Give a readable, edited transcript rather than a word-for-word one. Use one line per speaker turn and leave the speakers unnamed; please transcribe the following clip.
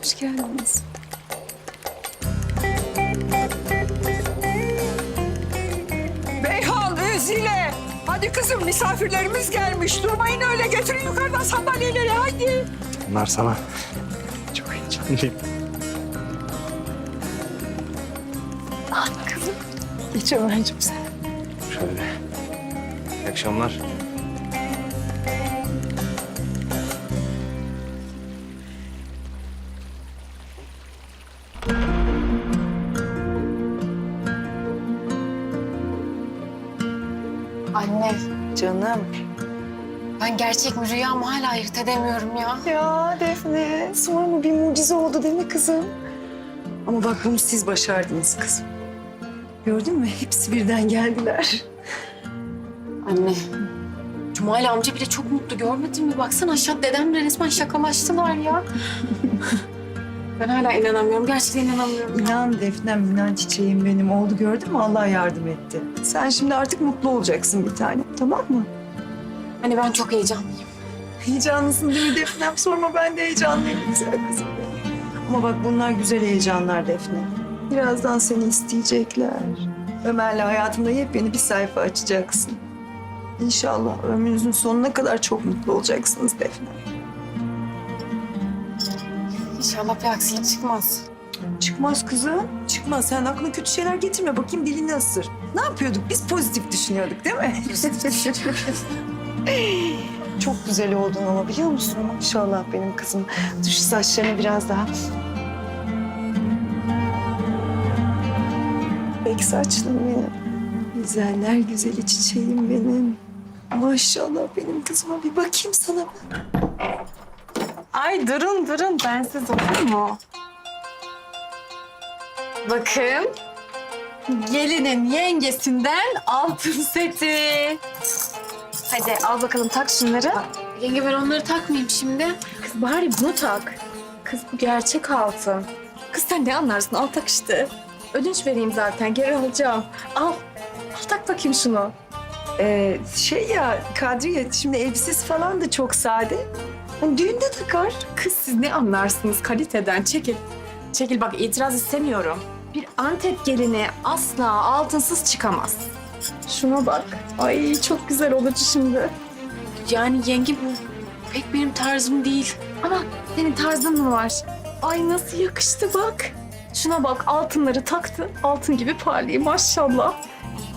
Hoş geldiniz.
Beyhan, Özile. Hadi kızım, misafirlerimiz gelmiş. Durmayın öyle, götürün yukarıdan sandalyeleri, hadi.
Bunlar sana. Çok heyecanlıyım.
Geç Ömerciğim sen.
Şöyle. İyi akşamlar.
Anne,
Canım.
ben gerçek mi rüya mı hala ayırt edemiyorum ya.
Ya Defne, sorma, bir mucize oldu değil mi kızım? Ama bak bunu siz başardınız kızım. Gördün mü? Hepsi birden geldiler.
Anne, Cumali amca bile çok mutlu görmedin mi? Baksana aşağı dedemle resmen şakalaştılar ya. Ben hala inanamıyorum, gerçekten inanamıyorum.
İnan Defnem, inan çiçeğim benim. Oldu gördün mü? Allah yardım etti. Sen şimdi artık mutlu olacaksın bir tane. Tamam mı?
Hani ben çok heyecanlıyım.
Heyecanlısın değil mi Defnem? Sorma, ben de heyecanlıyım güzel kızım benim. Ama bak bunlar güzel heyecanlar Defne. Birazdan seni isteyecekler. Ömer'le hayatında yepyeni bir sayfa açacaksın. İnşallah ömrünüzün sonuna kadar çok mutlu olacaksınız Defne.
İnşallah bir aksilik çıkmaz.
Çıkmaz kızım. Çıkmaz. Sen aklına kötü şeyler getirme. Bakayım dilini ısır. Ne yapıyorduk? Biz pozitif düşünüyorduk değil mi? Çok güzel oldun ama biliyor musun? Maşallah benim kızım. Dur şu saçlarını biraz daha. Pek saçlım benim. Güzeller güzeli çiçeğim benim. Maşallah benim kızıma, bir bakayım sana.
Ay durun, bensiz olur mu? Bakın, gelinin yengesinden altın seti. Hadi al bakalım, tak şunları. Yenge ben onları takmayayım şimdi. Kız bari bunu tak. Kız bu gerçek altın. Kız sen ne anlarsın, al tak işte. Ödünç vereyim zaten, geri alacağım. Al, al tak bakayım şunu.
Şey ya Kadriye, şimdi elbisesi falan da çok sade. Hani düğünde takar.
Kız siz ne anlarsınız kaliteden? Çekil. Çekil bak, itiraz istemiyorum. Bir Antep gelini asla altınsız çıkamaz. Şuna bak. Ay çok güzel olacak şimdi. Yani yenge bu pek benim tarzım değil. Ama senin tarzın mı var? Ay nasıl yakıştı bak. Şuna bak, altınları taktı. Altın gibi parlıyor maşallah.